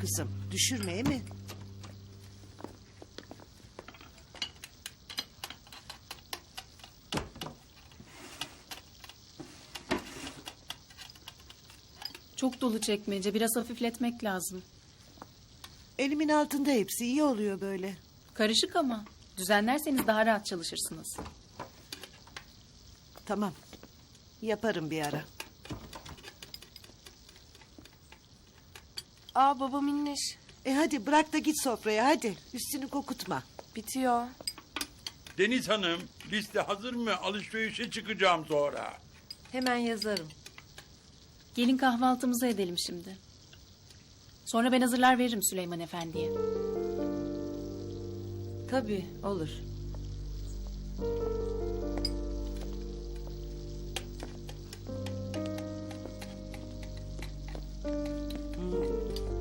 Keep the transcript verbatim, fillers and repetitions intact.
kızım. Düşürmeye mi? Çok dolu çekmece. Biraz hafifletmek lazım. Elimin altında hepsi iyi oluyor böyle. Karışık ama. Düzenlerseniz daha rahat çalışırsınız. Tamam. Yaparım bir ara. Aa baba minneş. E hadi bırak da git sofraya hadi. Üstünü kokutma. Bitiyor. Deniz Hanım, liste hazır mı? Alışverişe çıkacağım sonra. Hemen yazarım. Gelin kahvaltımızı edelim şimdi. Sonra ben hazırlar veririm Süleyman Efendi'ye. Tabii olur.